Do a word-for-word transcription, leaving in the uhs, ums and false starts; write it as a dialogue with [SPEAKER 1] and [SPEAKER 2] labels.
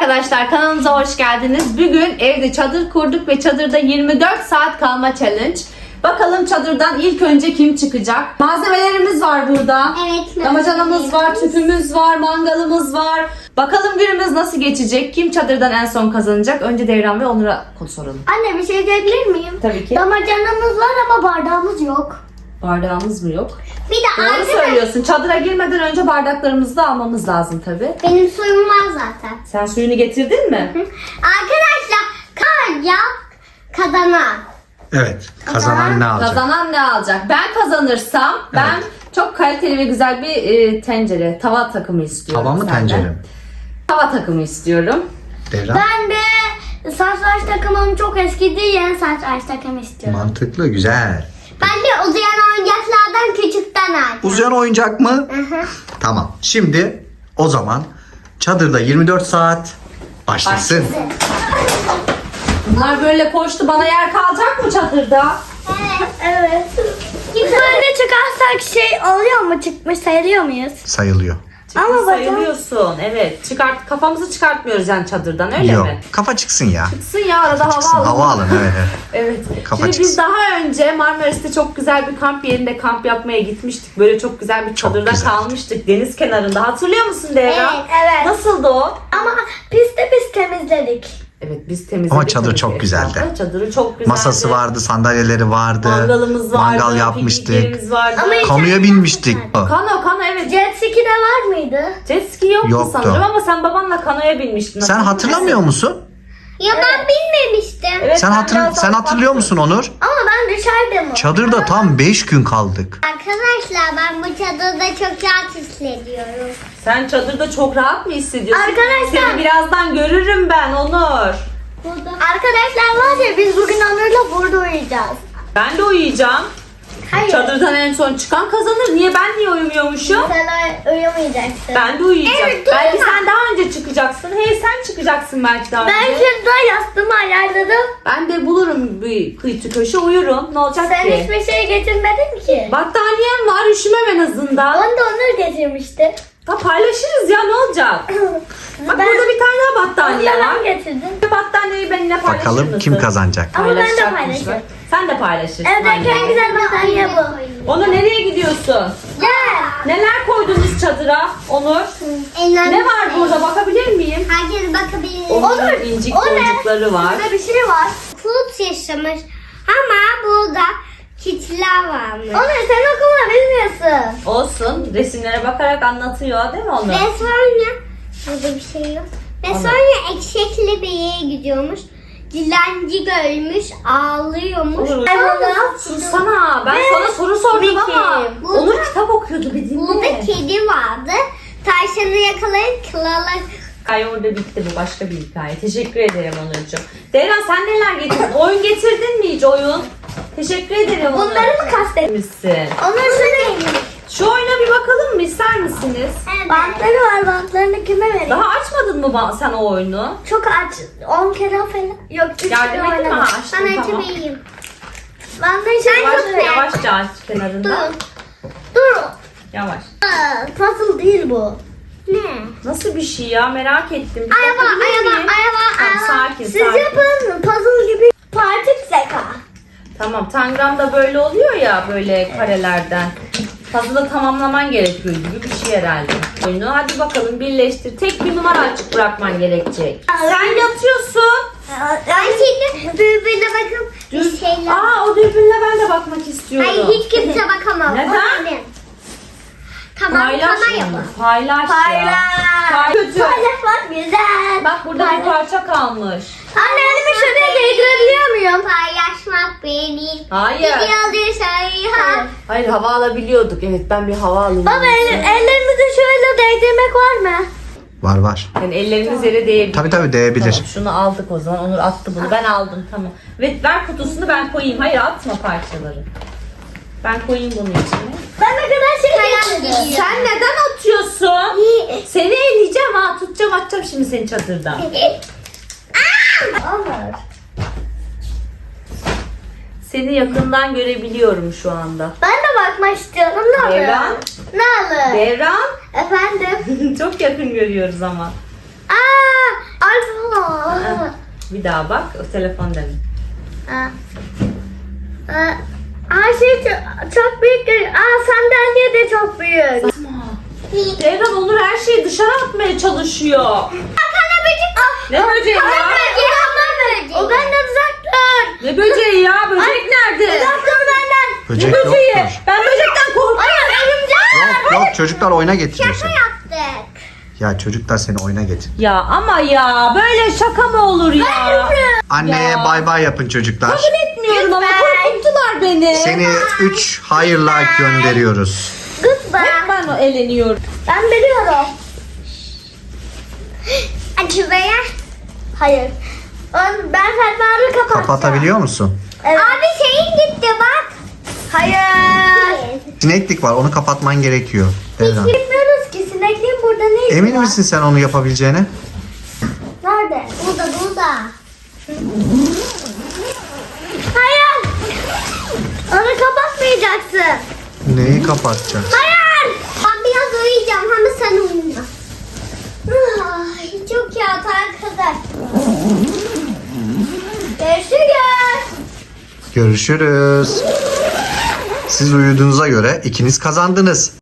[SPEAKER 1] arkadaşlar, kanalımıza hoş geldiniz. Bugün evde çadır kurduk ve çadırda yirmi dört saat kalma challenge. Bakalım çadırdan ilk önce kim çıkacak? Malzemelerimiz var burada.
[SPEAKER 2] Evet.
[SPEAKER 1] Damacanamız var, tüpümüz var, mangalımız var. Bakalım günümüz nasıl geçecek? Kim çadırdan en son kazanacak? Önce Devran ve Onur'a soralım.
[SPEAKER 2] Anne bir şey diyebilir miyim?
[SPEAKER 1] Tabii ki.
[SPEAKER 2] Damacanamız var ama bardağımız yok.
[SPEAKER 1] Bardağımız mı yok?
[SPEAKER 2] Bir de
[SPEAKER 1] Doğru
[SPEAKER 2] arkadaş,
[SPEAKER 1] söylüyorsun. Çadıra girmeden önce bardaklarımızı da almamız lazım tabii.
[SPEAKER 2] benim suyum var zaten.
[SPEAKER 1] Sen suyunu getirdin mi?
[SPEAKER 2] Hı. Arkadaşlar kar ya kazanan.
[SPEAKER 3] Evet. Kazanan ne alacak?
[SPEAKER 1] Kazanan ne alacak? Ben kazanırsam ben çok kaliteli ve güzel bir e, tencere, tava takımı istiyorum.
[SPEAKER 3] Tava mı
[SPEAKER 1] senden.
[SPEAKER 3] tencere mi?
[SPEAKER 1] Tava takımı istiyorum.
[SPEAKER 3] Devran.
[SPEAKER 2] Ben de saçlar takımım çok eskidi, yeni saçlar takım istiyorum.
[SPEAKER 3] Mantıklı, güzel.
[SPEAKER 2] Ben de uzayan oyuncaklardan küçükten aldım.
[SPEAKER 3] Uzayan oyuncak mı?
[SPEAKER 2] Hı hı.
[SPEAKER 3] Tamam. Şimdi o zaman çadırda yirmi dört saat başlasın.
[SPEAKER 1] Bunlar böyle koştu. Bana yer kalacak mı çadırda?
[SPEAKER 2] Evet. Evet. Böyle çıkarsak şey oluyor mu? Çıkmış sayılıyor muyuz?
[SPEAKER 3] Sayılıyor.
[SPEAKER 2] Ama bakın-
[SPEAKER 1] sayılıyorsun. Evet. Çıkart, kafamızı çıkartmıyoruz yani çadırdan, öyle
[SPEAKER 3] Yok.
[SPEAKER 1] mi?
[SPEAKER 3] Kafa çıksın ya.
[SPEAKER 1] Çıksın ya, arada
[SPEAKER 3] Çıksın.
[SPEAKER 1] hava alalım.
[SPEAKER 3] Hava alın. Evet. evet.
[SPEAKER 1] Evet.
[SPEAKER 3] Kafa
[SPEAKER 1] Şimdi biz
[SPEAKER 3] çıksın.
[SPEAKER 1] daha önce Marmaris'te çok güzel bir kamp yerinde kamp yapmaya gitmiştik. Böyle çok güzel bir
[SPEAKER 3] Çok
[SPEAKER 1] çadırda
[SPEAKER 3] güzel.
[SPEAKER 1] kalmıştık deniz kenarında. Hatırlıyor musun Devran?
[SPEAKER 2] Evet, evet.
[SPEAKER 1] Nasıldı o?
[SPEAKER 2] Ama pisti biz temizledik.
[SPEAKER 1] Evet, biz temizledik.
[SPEAKER 3] Ama çadır
[SPEAKER 1] tabii
[SPEAKER 3] çok
[SPEAKER 1] ki
[SPEAKER 3] güzeldi.
[SPEAKER 1] etrafı. Çadırı çok güzeldi.
[SPEAKER 3] Masası vardı, sandalyeleri vardı.
[SPEAKER 1] Mangalımız vardı.
[SPEAKER 3] Mangal yapmıştık.
[SPEAKER 1] pikniklerimiz vardı.
[SPEAKER 2] Ama hiç-
[SPEAKER 3] Kanuya binmiştik.
[SPEAKER 1] Kano, kano evet.
[SPEAKER 2] Jet ski de var mıydı?
[SPEAKER 1] Jet ski yoktu,
[SPEAKER 3] Yoktu.
[SPEAKER 1] sanırım ama sen babanla kanoya binmiştin.
[SPEAKER 3] Sen
[SPEAKER 1] hatırlıyor
[SPEAKER 3] hatırlamıyor
[SPEAKER 1] musun?
[SPEAKER 3] musun?
[SPEAKER 2] Ya ben bilmemiştim.
[SPEAKER 1] Evet,
[SPEAKER 3] Sen
[SPEAKER 1] ben
[SPEAKER 3] hatır
[SPEAKER 1] biraz
[SPEAKER 3] sen
[SPEAKER 1] daha
[SPEAKER 3] hatırlıyor
[SPEAKER 1] baktım.
[SPEAKER 3] musun Onur?
[SPEAKER 2] Ama ben dışarıda mı?
[SPEAKER 3] Çadırda tam beş gün kaldık.
[SPEAKER 2] Arkadaşlar ben bu çadırda çok rahat hissediyorum.
[SPEAKER 1] Sen çadırda çok rahat mı hissediyorsun?
[SPEAKER 2] Arkadaşlar-
[SPEAKER 1] Seni birazdan görürüm ben Onur.
[SPEAKER 2] Arkadaşlar var ya, biz bugün Onur'la burada uyuyacağız.
[SPEAKER 1] Ben de uyuyacağım.
[SPEAKER 2] Hayır.
[SPEAKER 1] Çadırdan en son çıkan kazanır. Niye ben niye uyumuyormuşum?
[SPEAKER 2] Sen uy- uyumayacaksın.
[SPEAKER 1] Ben de uyuyacağım.
[SPEAKER 2] Evet, dur
[SPEAKER 1] belki
[SPEAKER 2] ama.
[SPEAKER 1] sen daha önce çıkacaksın. Hey, sen çıkacaksın belki daha
[SPEAKER 2] Ben
[SPEAKER 1] önce.
[SPEAKER 2] şurada yastığımı ayarladım.
[SPEAKER 1] Ben de bulurum bir kıyı köşe, uyurum. Ne olacak
[SPEAKER 2] Sen
[SPEAKER 1] ki?
[SPEAKER 2] hiçbir şey getirmedin ki.
[SPEAKER 1] Battaniyem var, üşümem en azından.
[SPEAKER 2] Onu da Onur getirmişti.
[SPEAKER 1] Ha, paylaşırız ya, ne olacak? Bak
[SPEAKER 2] Ben-
[SPEAKER 1] burada bir tane daha battaniye
[SPEAKER 2] Onu da
[SPEAKER 1] var.
[SPEAKER 2] ben getirdim.
[SPEAKER 1] Battaniyeyi benimle paylaşır
[SPEAKER 3] Bakalım
[SPEAKER 1] mısın?
[SPEAKER 3] kim kazanacak?
[SPEAKER 2] Ama ben de
[SPEAKER 1] Paylaşacakmışlar.
[SPEAKER 2] paylaşırım.
[SPEAKER 1] Sen de paylaşırsın.
[SPEAKER 2] Evdeki en
[SPEAKER 1] anne.
[SPEAKER 2] güzel battaniye bu.
[SPEAKER 1] Onur, nereye gidiyorsun?
[SPEAKER 2] Gel.
[SPEAKER 1] Neler koydunuz çadıra Onur? Ne var burada, bakabilir miyim?
[SPEAKER 2] Herkes bakabilir.
[SPEAKER 1] Onur'un incik
[SPEAKER 2] o ne?
[SPEAKER 1] boncukları var.
[SPEAKER 2] Burada bir şey var. Kurt yaşamış ama burada kitler varmış. Onur sen okuma bilmiyorsun.
[SPEAKER 1] Olsun, resimlere bakarak anlatıyor değil mi Onur?
[SPEAKER 2] Ve sonra burada bir şey yok. Ve
[SPEAKER 1] Anladım.
[SPEAKER 2] sonra eşekli bir yere gidiyormuş. Dilenci görmüş, ağlıyormuş.
[SPEAKER 1] Onur,
[SPEAKER 2] Ay bana.
[SPEAKER 1] Sussana, ben
[SPEAKER 2] Ve
[SPEAKER 1] sana soru sordum
[SPEAKER 2] Mickey.
[SPEAKER 1] ama
[SPEAKER 2] Burada-
[SPEAKER 1] Onur kitap okuyordu, bir dinle.
[SPEAKER 2] Burada kedi vardı. Tavşanı yakalayıp krala...
[SPEAKER 1] Hikaye orada bitti, bu başka bir hikaye. Teşekkür ederim Onurcuğum. Devran, sen neler getirdin? Oyun getirdin mi hiç oyun? Teşekkür ederim Onur.
[SPEAKER 2] Bunları mı kastetmişsin?
[SPEAKER 1] Misin?
[SPEAKER 2] Onur şunu
[SPEAKER 1] Şu oyuna bir bakalım mı, ister misiniz?
[SPEAKER 2] Bantları var, bantlarını kime vereyim?
[SPEAKER 1] Daha açmadın mı ba- sen o oyunu?
[SPEAKER 2] Çok aç. on kere falan. Yok, üç
[SPEAKER 1] Yardım
[SPEAKER 2] kere
[SPEAKER 1] edeyim mi?
[SPEAKER 2] oynadım.
[SPEAKER 1] Ha, açtım,
[SPEAKER 2] Ben
[SPEAKER 1] tamam.
[SPEAKER 2] açamayayım. Bantları sen
[SPEAKER 1] Yavaş,
[SPEAKER 2] tut be.
[SPEAKER 1] yavaşça aç kenarından.
[SPEAKER 2] Dur. Dur.
[SPEAKER 1] Yavaş.
[SPEAKER 2] Aa, puzzle değil bu. Ne?
[SPEAKER 1] Nasıl bir şey ya, merak ettim. Bir
[SPEAKER 2] Araba,
[SPEAKER 1] bakabilir
[SPEAKER 2] araba,
[SPEAKER 1] miyim?
[SPEAKER 2] araba,
[SPEAKER 1] Tamam,
[SPEAKER 2] araba.
[SPEAKER 1] sakin,
[SPEAKER 2] Siz
[SPEAKER 1] sakin.
[SPEAKER 2] yapın. Puzzle gibi partik zeka.
[SPEAKER 1] Tamam, Tangram'da böyle oluyor ya, böyle karelerden. Puzzle'ı tamamlaman gerekiyor gibi bir şey herhalde. Oyunu hadi bakalım birleştir. Tek bir numara açık bırakman gerekecek. Sen yatıyorsun.
[SPEAKER 2] Ben şimdi birbirine bakıp bir şeyler...
[SPEAKER 1] Aa, o dürbünle ben de bakmak istiyorum.
[SPEAKER 2] Hayır, hiç kimse bakamaz. O
[SPEAKER 1] Neden?
[SPEAKER 2] benim. Tamam,
[SPEAKER 1] Paylaş
[SPEAKER 2] tamam
[SPEAKER 1] onu.
[SPEAKER 2] yapın.
[SPEAKER 1] Paylaş ya.
[SPEAKER 2] Paylaş.
[SPEAKER 1] Pay- Kötü.
[SPEAKER 2] Paylaşmak güzel.
[SPEAKER 1] Bak burada bir parça kalmış.
[SPEAKER 2] Anne, elimi şuraya değdirebiliyor muyum? Paylaşmak benim.
[SPEAKER 1] Hayır.
[SPEAKER 2] Gidiyordu şey. Ha.
[SPEAKER 1] Hayır, hava alabiliyorduk. Evet, ben bir hava alayım.
[SPEAKER 2] Baba el, ellerimizi şöyle değdirmek var mı?
[SPEAKER 3] Var var.
[SPEAKER 1] Yani elleriniz yere değebilir.
[SPEAKER 3] Tabii tabii değebilir.
[SPEAKER 1] Tamam, şunu aldık o zaman. Onur attı bunu. Ben aldım, tamam. Ve ver kutusunu, ben koyayım. Hayır, atma parçaları. Ben koyayım bunun içine.
[SPEAKER 2] Ben ne kadar şey getirdim.
[SPEAKER 1] Sen neden atıyorsun? Seni eleyeceğim ha. Tutacağım, atacağım şimdi seni çadırdan.
[SPEAKER 2] Olur.
[SPEAKER 1] Seni yakından görebiliyorum şu anda.
[SPEAKER 2] Ben de bakmak istiyorum. Ne olur?
[SPEAKER 1] Devran.
[SPEAKER 2] Ne olur?
[SPEAKER 1] Devran.
[SPEAKER 2] Efendim?
[SPEAKER 1] Çok yakın görüyoruz ama.
[SPEAKER 2] Aa,
[SPEAKER 1] Ha, bir daha bak. O telefon demin.
[SPEAKER 2] Aa. Aa, her şey çok, çok büyük. görünüyor. Aa, sandalye de çok büyük.
[SPEAKER 1] Devran Onur her şeyi dışarı atmaya çalışıyor.
[SPEAKER 2] Kana böcek.
[SPEAKER 1] Ne böceği ya?
[SPEAKER 2] O benden uzak dur.
[SPEAKER 1] Ne böceği ya? Böcek nerede?
[SPEAKER 2] Uzak dur benden.
[SPEAKER 3] Böcek
[SPEAKER 1] Ne böceği?
[SPEAKER 3] yoktur.
[SPEAKER 1] Ben böcekten korkuyorum.
[SPEAKER 2] Hayır örümcek.
[SPEAKER 3] Yok yok çocuklar oyuna getiriyorsun.
[SPEAKER 2] Yaptık.
[SPEAKER 3] Ya çocuklar seni oyuna getir.
[SPEAKER 1] Ya ama ya böyle şaka mı olur ya?
[SPEAKER 3] Anneye
[SPEAKER 1] Ya.
[SPEAKER 3] bay bay yapın çocuklar.
[SPEAKER 1] Kabul etmiyorum ama
[SPEAKER 2] Lütfen.
[SPEAKER 1] korkuttular beni.
[SPEAKER 3] Seni üç hayırla gönderiyoruz.
[SPEAKER 2] Goodbye.
[SPEAKER 1] Hep ben o eleniyorum.
[SPEAKER 2] Ben biliyorum. Acı veya? Hayır. On- Ben fermuarı kapatacağım.
[SPEAKER 3] Kapatabiliyor musun?
[SPEAKER 2] Evet. Abi şeyin gitti bak. Hayır.
[SPEAKER 3] Sineklik var onu kapatman gerekiyor. Devran.
[SPEAKER 2] Bilmiyoruz ki sinekliğin burada ne işi
[SPEAKER 3] Emin
[SPEAKER 2] var?
[SPEAKER 3] misin sen onu yapabileceğine?
[SPEAKER 2] Nerede? Burada burada. Hayır. Onu kapatmayacaksın.
[SPEAKER 3] Neyi kapatacaksın?
[SPEAKER 2] Hayır. Ben biraz uyuyacağım ama sen uyuma. Ay, çok yat arkadaş. Görüşürüz.
[SPEAKER 3] Görüşürüz. Siz uyuduğunuza göre ikiniz kazandınız.